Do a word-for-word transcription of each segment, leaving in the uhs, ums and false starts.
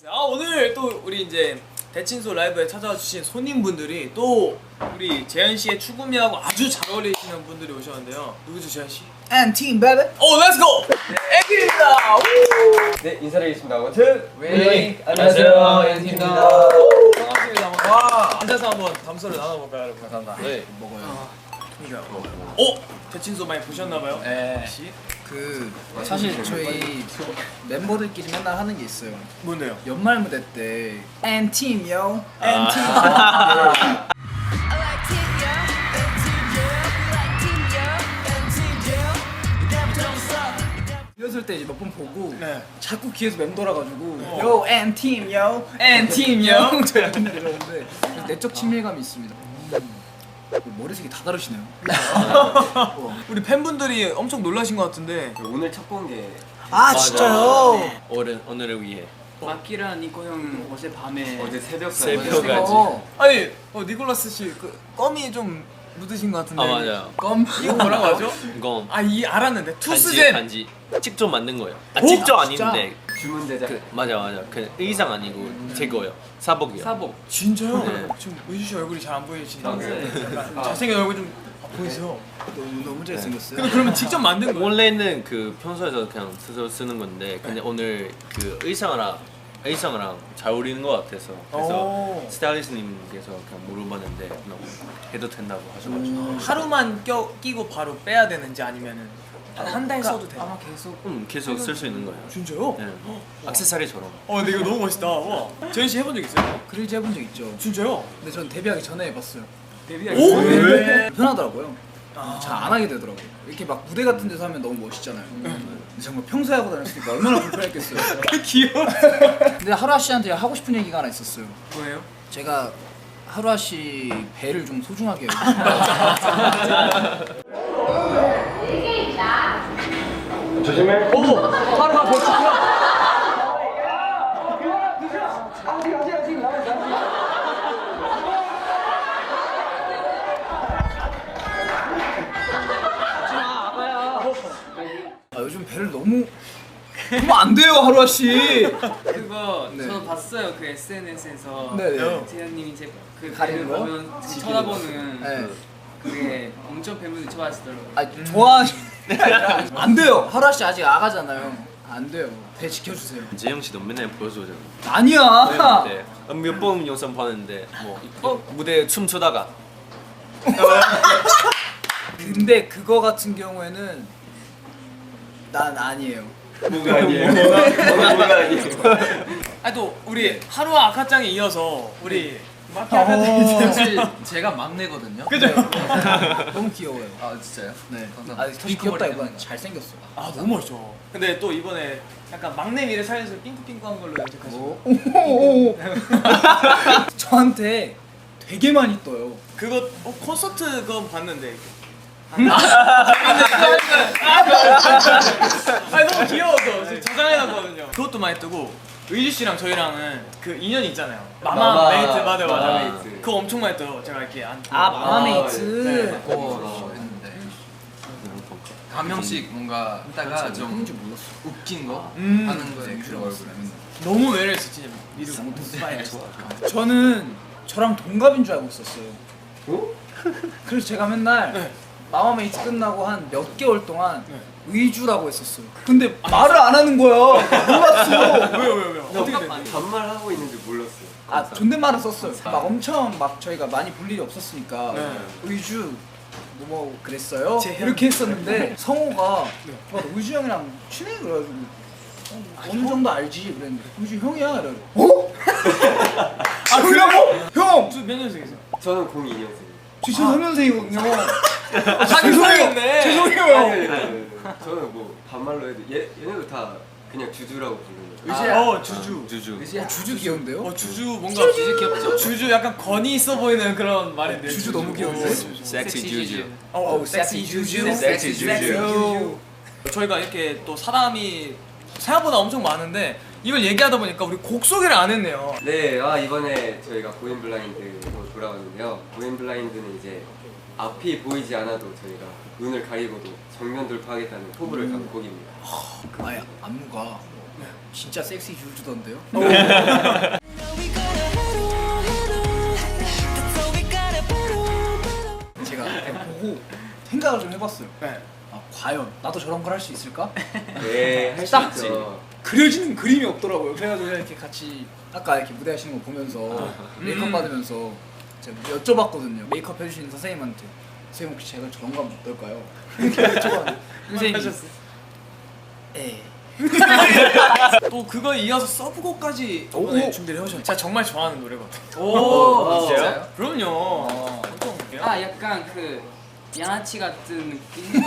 아 오늘 또 우리 이제 대친소 라이브에 찾아와 주신 손님분들이 또 우리 재현 씨의 추구미하고 아주 잘 어울리시는 분들이 오셨는데요. 누구죠, 재현 씨? And team baby. 오, 렛츠고! 앤팀입니다. 네, 인사드리겠습니다. 원투 웨이. 안녕하세요, 앤팀입니다. 반갑습니다. 와, 앉아서 한번 담소를 나눠볼까요, 여러분? 감사합니다. 네, 먹어요. 오, 대친소 많이 보셨나봐요? 네. 혹시? 그 사실 저희 멤버들끼리 맨날 하는 게 있어요. 뭔데요? 연말 무대 때 And team yo. 앤팀. 리허설 때 몇 번 보고 네. 자꾸 귀에서 맴돌아가지고 어. Yo and team yo. And team yo. 저 약간 이러는데 내적 친밀감이 있습니다. 머리색이 다 다르시네요. 우리 팬분들이 엄청 놀라신 것 같은데. 오늘 첫 공개. 아 진짜요? 오늘 오늘을 위해 마키랑 니코 형 어제 밤에 어제 새벽 새벽까지. 어. 아니, 어, 니콜라스 씨, 그 껌이 좀 묻으신 것 같은데. 아 맞아요. 껌? 이거 뭐라고 하죠? 이건 아, 이 알았는데. 반지 투스젠. 반지 직접 만든 거예요. 아 오? 직접 아, 진짜? 아닌데 주문 제작. 그 맞아 맞아 그 의상 아니고 제 거예요. 사복이요. 사복 진짜요? 네. 지금 의주 씨 얼굴이 잘 안 보이시는데 네. 약간 아. 잘생긴 얼굴 좀 보이세요? 너무 너무 잘생겼어요. 근데 그러면 직접 만든 거예요? 원래는 그 평소에서 그냥 스스로 쓰는 건데 근데 오늘 그 의상이랑 의상이랑 잘 어울리는 것 같아서 그래서 오. 스타일리스트님께서 그냥 물어봤는데 그냥 해도 된다고 하셔가지고 하루만 껴, 끼고 바로 빼야 되는지 아니면은 한 달 써도 돼요? 아마 계속 음 계속 쓸 수 있는 거예요. 진짜요? 네. 액세서리처럼. 어 근데 이거 너무 멋있다. 와. 재현 씨 해본 적 있어요? 그릴즈 해본 적 있죠. 진짜요? 근데 전 데뷔하기 전에 해봤어요. 데뷔하기 오? 전에 왜? 편하더라고요. 아. 잘 안 하게 되더라고요. 이렇게 막 무대 같은 데서 하면 너무 멋있잖아요. 근데 정말 평소에 하고 다녔으니까 얼마나 불편했겠어요. 귀여워. 근데 하루아 씨한테 하고 싶은 얘기가 하나 있었어요. 뭐예요? 제가 하루아 씨 배를 좀 소중하게 여기고 조심해. 오! 하루가 멋지구나. 아, 요즘 배를 너무 그러면 안 돼요 하루아 씨. 그거 네. 저도 봤어요 그 에스엔에스에서 네, 네. 재현님이 제그 가리는 배를 거? 보면 쳐다보는 네. 그게 엄청 팬분들이 좋아하시더라고요. 아 좋아하시 안 돼요. 하루아 씨 아직 아가잖아요. 안 돼요. 배 지켜주세요. 재영 씨도 맨날 보여주잖아요. 아니야. 네, 몇 번 영상 봤는데 뭐 어? 무대 춤추다가 근데 그거 같은 경우에는 난 아니에요. 뭐가 아니에요. 뭐가 뭐가 아니에요. 아니 또 우리 하루와 아카짱에 이어서 우리 마키 아카짱이 사실 제가 막내거든요. 그죠? 너무 귀여워요. 아 진짜요? 네. 감사합니다. 아, 더 귀엽다기보단 잘생겼어. 아 너무 멋있죠. 근데 또 이번에 약간 막내 미를 살려서 핑크핑크한 걸로 염색하시고 오. 저한테 되게 많이 떠요. 그거 어, 콘서트 그거 봤는데 아니 너무 귀여워서 지금 저장해놨거든요. 그것도 많이 뜨고 의주 씨랑 저희랑은 그 인연이 있잖아요. 마마, 마마. 메이트 맞아 맞아 마마 메이트. 메이트. 그거 엄청 많이 떠요. 제가 이렇게 안. 아 마마메이트. 네. 그거 했는데 한 명씩 뭔가 했다가 좀 뭔지 몰랐어. 웃긴 거 음. 하는 거에 그 얼굴에 너무 매력있어 진짜. 미르 스파이 좋아. 저는 저랑 동갑인 줄 알고 있었어요. 어? 그래서 제가 맨날 네. 마마메이트 끝나고 한 몇 개월 동안 네. 의주라고 했었어요. 근데 말을 안 하는 거야. 몰랐어. 왜요 왜요 왜요? 어떻게 됐는데? 반말 하고 있는지 몰랐어요. 아 존댓말은 썼어요. 막 엄청 막 저희가 많이 볼 일이 없었으니까 네. 의주 뭐, 뭐 그랬어요? 재현. 이렇게 했었는데 성호가 네. 막 의주 형이랑 친해 그래가지고 어, 어느 정도 알지 그랬는데 의주 형이야 이래. 어? 아 그래요? 형! 몇 년생이세요? 저는 공이 년생. 저 삼 년생이거든요. 아 죄송해요. 죄송해요. 저는 뭐 반말로 해도 얘 얘네도 다 그냥 주주라고 부르는 거예요. 아, 어 주주. 주주. 어, 주주 귀여운데요? 어 주주 뭔가 주주 귀엽죠. 주주 약간 권위 있어 보이는 그런 말인데. 주주 너무 귀여운데? 섹시 주주. 어, 어, 섹시 주주. 섹시 주주. 주주. 저희가 이렇게 또 사람이 생각보다 엄청 많은데 이걸 얘기하다 보니까 우리 곡 소개를 안 했네요. 네, 아 이번에 저희가 고인블라인드로 돌아왔는데요. 고인블라인드는 이제 앞이 보이지 않아도 저희가 눈을 가리고도 정면 돌파하겠다는 포부를 담은 곡입니다. 아예 안무가 진짜 섹시 줄주던데요? 제가 그냥 보고 생각을 좀 해봤어요. 네. 아, 과연 나도 저런 걸 할 수 있을까? 네, 할 수 딱 있죠. 그려지는 그림이 없더라고요. 그래가지고 그냥 이렇게 같이 아까 이렇게 무대 하시는 거 보면서 메이크업 음. 받으면서 제가 여쭤봤거든요. 메이크업 해주시는 선생님한테 선생님 혹시 제가 저런 거 하면 어떨까요? 이렇게 여쭤봤는데 선생님이 에 또 그거 이어서 서브곡까지 오. 이번에 준비를 해오셨어요. 제가 정말 좋아하는 노래거든요. 오, 진짜요? 그럼요. 어떤 곡이요? 아 약간 그 양아치 같은 느낌?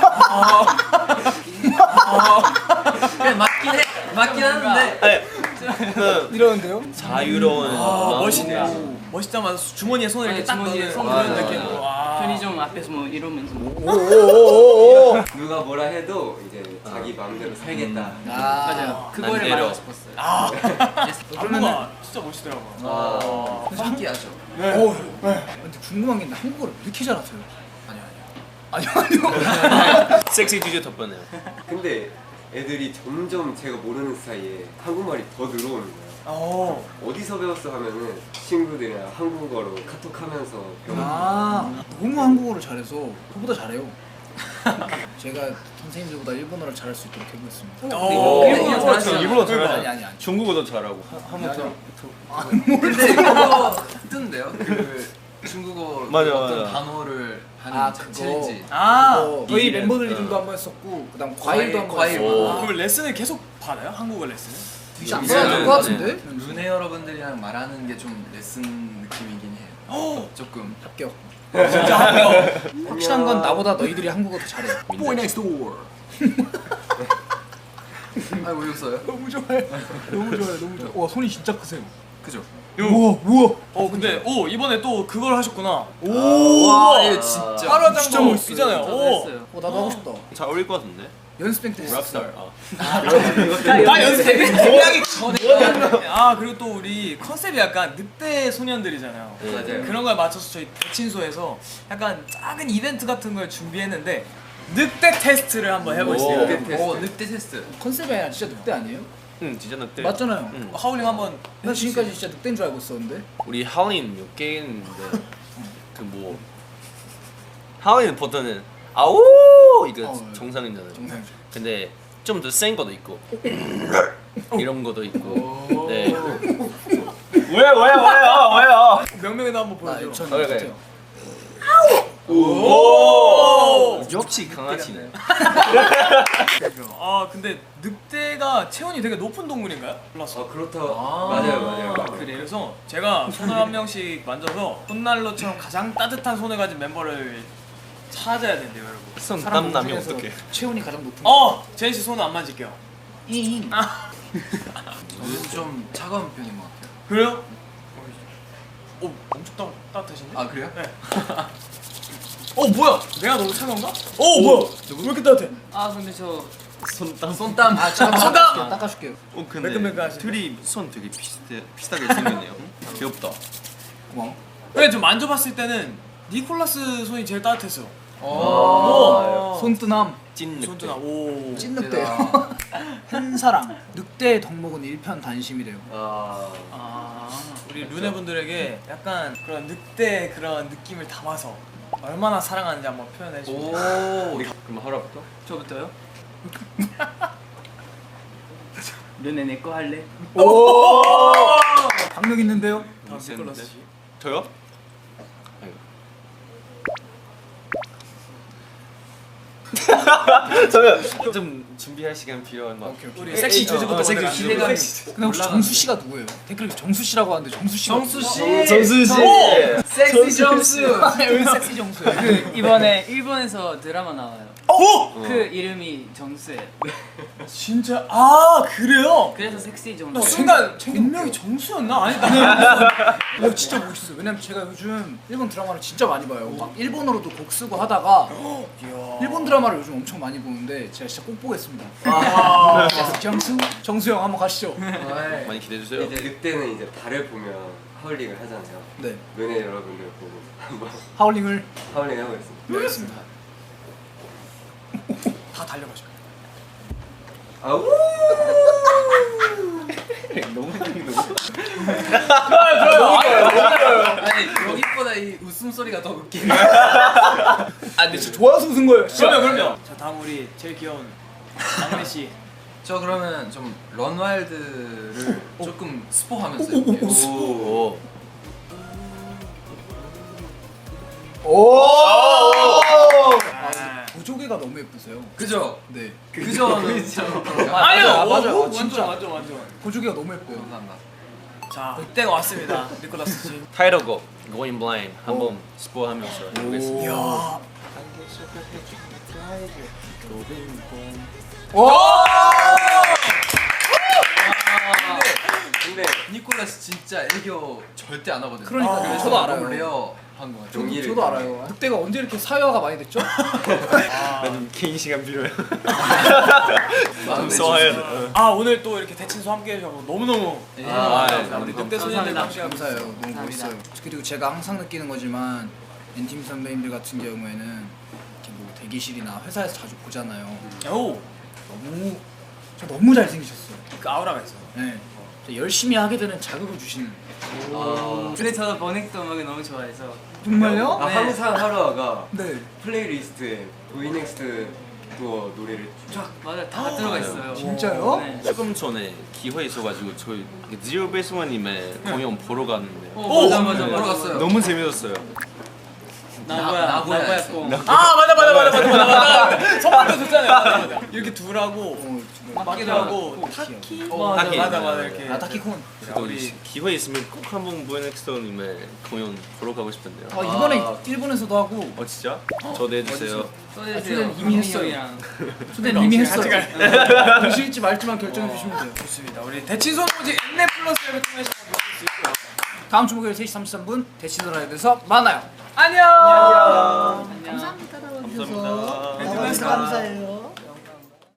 그냥 맞긴 해. 맞긴 하는데. 아니, 그 이러는데요? 자유로운 아, 마음으로. 멋있네. 멋있다마자 주머니에 손을 이렇게 네, 딱 주머니에 넣는 손 그런 넣는 느낌으로. 거. 와. 편의점 앞에서 뭐 이러면서 뭐. 오오오오오 누가 뭐라 해도 이제 자기 마음대로 살겠다. 아 맞아요. 그거를 난대로. 말하고 싶었어요. 아, 그러면은 안무가 진짜 멋있더라고요. 아, 신기하죠. 어, 근데 궁금한 게 있는데 한국어를 왜 이렇게 잘하세요? 아니요 아니요. 아니요 아니요 섹시 주제 덮어내요. 근데 애들이 점점 제가 모르는 사이에 한국말이 더 늘어오는 거예요. 어. 어디서 배웠어 하면은 친구들이랑 한국어로 카톡하면서 배웠어요. 아 너무 한국어를 잘해서 저보다 잘해요. 제가 선생님들보다 일본어를 잘할 수 있도록 해보겠습니다. 어. 일본어 일본어 잘하시죠? 일본어 아니 잘하죠. 아니 아니. 중국어도 잘하고. 한번 더. 근데 그거 뜨는데요? 그 중국어 맞아, 그 어떤 맞아. 단어를 하는 아, 챌- 그거. 챌린지. 아. 어, 저희 이름. 멤버들 어. 이름도 한번 했었고 그다음 과일, 과일도 한번 과일. 했었고. 오. 그럼 레슨을 계속 받아요? 한국어 레슨을? 진짜 안 이제 받아도 것 같은데? 루네 여러분들이랑 말하는 게 좀 레슨 느낌이긴 해요. 어. 조금. 합격. 진짜 합격. 확실한 건 나보다 너희들이 한국어 더 잘해. Boy next door. 아왜 웃어요? 너무 좋아요. 너무 좋아요. 너무 좋아요. 와 손이 진짜 크세요. 그죠? 우와 우와. 어 근데 오 이번에 또 그걸 하셨구나. 와, 오. 이거 진짜. 하루장도 진짜 멋있어요. 있잖아요. 저도 오. 했어요. 어 나도 하고 싶다. 잘 어울릴 것 같은데. 연습생 때 랍스타. 했었어요. 아. 나 연습생 공약이 전에. 아 그리고 또 우리 컨셉이 약간 늑대 소년들이잖아요. 네. 맞아요. 그런 거에 맞춰서 저희 대친소에서 약간 작은 이벤트 같은 걸 준비했는데 늑대 테스트를 한번 해보시죠. 오. 늑대 테스트. 오 늑대 테스트. 컨셉이 아니라 진짜 늑대 아니에요? 응, 진짜 늑대. 맞잖아요. 응. 하울링 한번. 나 지금까지 진짜 늑대인 줄 알고 있었는데. 우리 하울린 몇 개 있는데 그 뭐 하울린 보통은 아우 이거 어, 정상이잖아요. 정상이죠. 근데 좀 더 센 것도 있고 이런 것도 있고. 네. 왜요 왜요 왜요 왜요? 명명이도 한번 나 보여줘. 유치원 그래, 같아요. 오. 역시 강아지네. 아 근데 늑대가 체온이 되게 높은 동물인가요? 몰랐어. 아 그렇다고. 아. 맞아요 맞아요. 그래, 그래서 제가 손을 한 명씩 만져서 손난로처럼 가장 따뜻한 손을 가진 멤버를 찾아야 된대요, 여러분. 손 사람 땀 나면 중에서 어떡해? 체온이 가장 높은. 어, 제인 씨 손은 안 만질게요. 잉. 저는 좀 차가운 편인 것 같아요. 그래요? 어, 엄청 따, 따뜻하신데? 아 그래요? 네. 어 뭐야? 내가 너무 차가운가? 어 뭐야? 왜 이렇게 따뜻해? 아 근데 저 손땀. 손땀. 아 잠깐 손담! 닦아줄게요. 어 근데 매끈매끈하시네. 둘이 손 되게 비슷해 비슷하게 생겼네요. 귀엽다. 고마워. 근데 좀 만져봤을 때는 니콜라스 손이 제일 따뜻했어. 오. 손뜨남. 찐 늑대. 손주나 오. 찐 늑대요. 한사랑. 늑대의 덕목은 일편단심이래요. 아. 아, 우리 루네 분들에게 약간 그런 늑대 그런 느낌을 담아서 얼마나 사랑하는지 한번 표현해 주세요. 오. 그럼 하루부터? 저부터요? 너네 내 거 할래? 박력 있는데요? 다음 니콜라스 씨. 저요? 저요. 좀 준비할 시간 필요한 것 같아요. 우리 섹시 주제부터 어, 섹시 먼저 주제. 가죠. 섹시. 근데 혹시 정수 씨가 누구예요? 댓글에 정수 씨라고 하는데 정수 씨가 정수 씨. 정수 씨. 섹시 점수. 왜 섹시 정수예요? 그 이번에 일본에서 드라마 나와요. 오! 그 이름이 정수예요. 진짜 아 그래요? 그래서 섹시 정수. 나 순간 분명히 정수였나? 아니 나는 어, 진짜 멋있어요. 왜냐면 제가 요즘 일본 드라마를 진짜 많이 봐요. 막 일본어로도 곡 쓰고 하다가 일본 드라마를 요즘 엄청 많이 보는데 제가 진짜 꼭 보겠습니다. 아, 정수? 정수 형 한번 가시죠. 많이 기대해 주세요. 이제 늑대는 이제 달을 보면 하울링을 하잖아요. 네. 눈에 여러분들 보고 한번 하울링을 하울링 하고 있습니다. 네, 알겠습니다. 다 달려가죠. 아우. 너무 너무 아니 여기보다 이 웃음소리가 더 웃기네. 아 근데 진짜 좋아서 웃은 거예요. 그럼요 그럼요. 자 다음 우리 제일 귀여운 막내 씨. 저 그러면 좀 런와일드를 조금 스포하면서 해볼게요. 오. 오. 아, 보조개가 너무 예쁘세요. 그죠? 네. 그저는 아니요 맞아요, 맞아요. 완전 진짜. 완전 완전. 보조개가 너무 예뻐요. 감사합니다. 자 그때가 왔습니다. 니콜라스 씨. 타이틀곡 Going Blind 한번 스포하면서 해보겠습니다. 이야. 근데 니콜라스 진짜 애교 절대 안 하거든요. 그러니까요. 그래서 저도 알아요. 너무 레어한 것 같아요. 저도, 용기를 저도 알아요. 늑대가 언제 이렇게 사회화가 많이 됐죠? 나는 개인 시간 필요해. 마음에 써야 아 오늘 또 이렇게 대친소 함께 해주셔서 너무너무 예. 아, 감사합니다. 우리 늑대 소년들 감사합니다. 함께 하고 감사해요. 있어요. 너무 멋있어요. 그리고 제가 항상 느끼는 거지만 엔팀 선배님들 같은 경우에는 이렇게 뭐 대기실이나 회사에서 자주 보잖아요. 오, 너무 저 너무 잘생기셨어요. 그 아우라가 있어. 네. 저 열심히 하게 되는 자극을 주시는. 아, 근데 저도 버넥도 음악을 너무 좋아해서 정말요? 아, 네. 항상 하루아가 네. 플레이리스트에 보이넥스트 투어 노래를 쫙 맞아 다 들어가 있어요. 진짜요? 네. 조금 전에 기회 있어가지고 저희 지오 베이스원님의 공연 보러 갔는데 오, 맞아 맞아 보러 맞아. 갔어요. 너무 재밌었어요. 나고야 나고야 나고야 했어. 꽁. 아 맞아 맞아 맞아 맞아 맞아 맞아. 선물도 줬잖아요. 맞아 맞아. 이렇게 둘하고 어, 정말. 마키하고 타키. 어, 맞아 타키. 맞아 맞아 이렇게. 아 타키콘. 그래서 우리 기회 있으면 꼭 한번 부에넥스터님의 공연 보러 가고 싶은데요. 아 이번에 아. 일본에서도 하고 어 진짜? 초대해주세요. 소개해주세요. 초대는 이미 했어요. 형이랑. 초대는 이미 했어요. 같이 오실지 말지만 결정해 주시면 돼요. 좋습니다. 우리 대친소 오지 엠넷 플러스를 통해서 보실 수 있고요. 다음 주 목요일 세 시 삼십삼 분 대치도 라이브에서 만나요. 안녕. 안녕. 감사합니다. 감사해요.